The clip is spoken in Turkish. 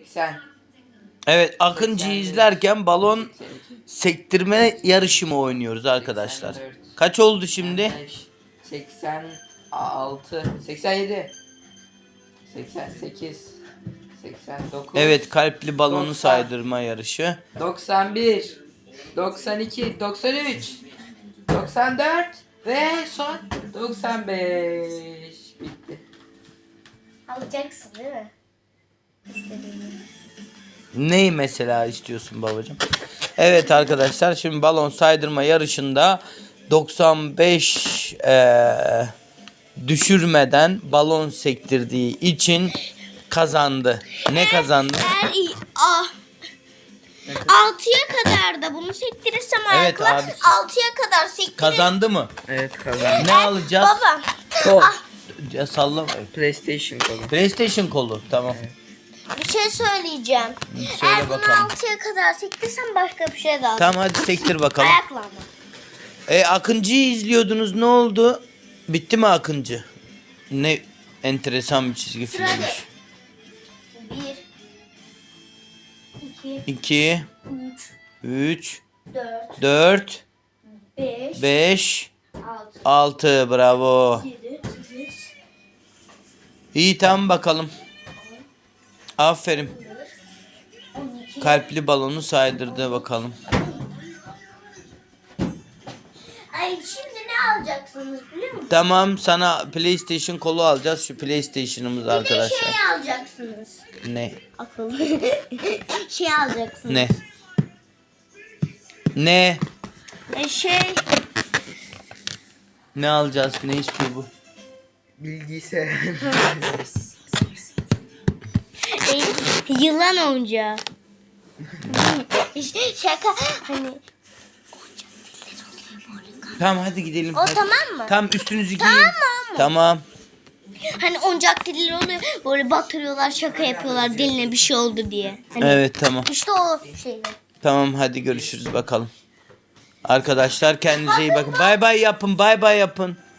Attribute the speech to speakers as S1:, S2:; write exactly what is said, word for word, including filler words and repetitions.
S1: seksen.
S2: Evet, Akıncı'yı izlerken balon sektirme yarışı mı oynuyoruz arkadaşlar?
S1: seksen dört.
S2: Kaç oldu şimdi?
S1: seksen altı. seksen yedi. seksen sekiz. seksen dokuz.
S2: Evet, kalpli balonu
S1: doksan.
S2: saydırma yarışı.
S1: doksan bir. doksan iki. doksan üç. doksan dört. Ve son doksan beş. Bitti.
S3: Alacaksın değil mi? İstediğini.
S2: Neyi mesela istiyorsun babacığım? Evet arkadaşlar, şimdi balon saydırma yarışında doksan beş eee, düşürmeden balon sektirdiği için kazandı. Ne kazandı?
S3: Eğer iyi- ah. altıya kadar da bunu sektirirsem
S2: Evet
S3: ayakla
S2: abi.
S3: altıya kadar sektiririm.
S2: Kazandı mı?
S1: Evet kazandım.
S2: Ne alacağız?
S3: Baba.
S1: Kol.
S2: Ya sallama.
S1: PlayStation kolu.
S2: PlayStation kolu. Tamam.
S3: Bir şey söyleyeceğim.
S2: Söyle
S3: Eğer bunu
S2: bakalım.
S3: altıya kadar sektirsem başka bir şey daha.
S2: Tamam, hadi sektir bakalım.
S3: Ayakla ama.
S2: E, Akıncı'yı izliyordunuz, ne oldu? Bitti mi Akıncı? Ne enteresan bir çizgi filmmiş.
S3: Bir. iki.
S2: iki,
S3: Üç.
S2: üç,
S3: Dört.
S2: dört,
S3: Beş.
S2: beş,
S3: Altı.
S2: altı, bravo.
S3: Yedi. Sekiz.
S2: İyi, tamam bakalım. Aferin.
S3: On iki.
S2: Kalpli balonu saydırdı bakalım.
S3: Ay şimdi ne alacaksınız biliyor musunuz?
S2: Tamam, sana PlayStation kolu alacağız. Şu PlayStation'ımız
S3: Bir de
S2: arkadaşlar.
S3: şey alacaksınız.
S2: Ne?
S3: Akıllı. şey alacaksınız.
S2: Ne? Ne?
S3: E şey.
S2: Ne alacağız? Ne istiyor bu?
S1: Bilgisayar.
S3: e, yılan oyuncağı. işte şaka hani.
S2: Tamam, hadi gidelim.
S3: O
S2: hadi.
S3: tamam mı?
S2: Tamam, üstünüzü giyin.
S3: Tamam mı?
S2: Tamam.
S3: Hani oyuncak dilleri oluyor. Böyle batırıyorlar, şaka yapıyorlar diline bir şey oldu diye. Hani
S2: Evet, tamam.
S3: İşte o şey.
S2: Tamam, hadi görüşürüz bakalım. Arkadaşlar kendinize iyi bakın. Bay bay yapın. Bay bay yapın.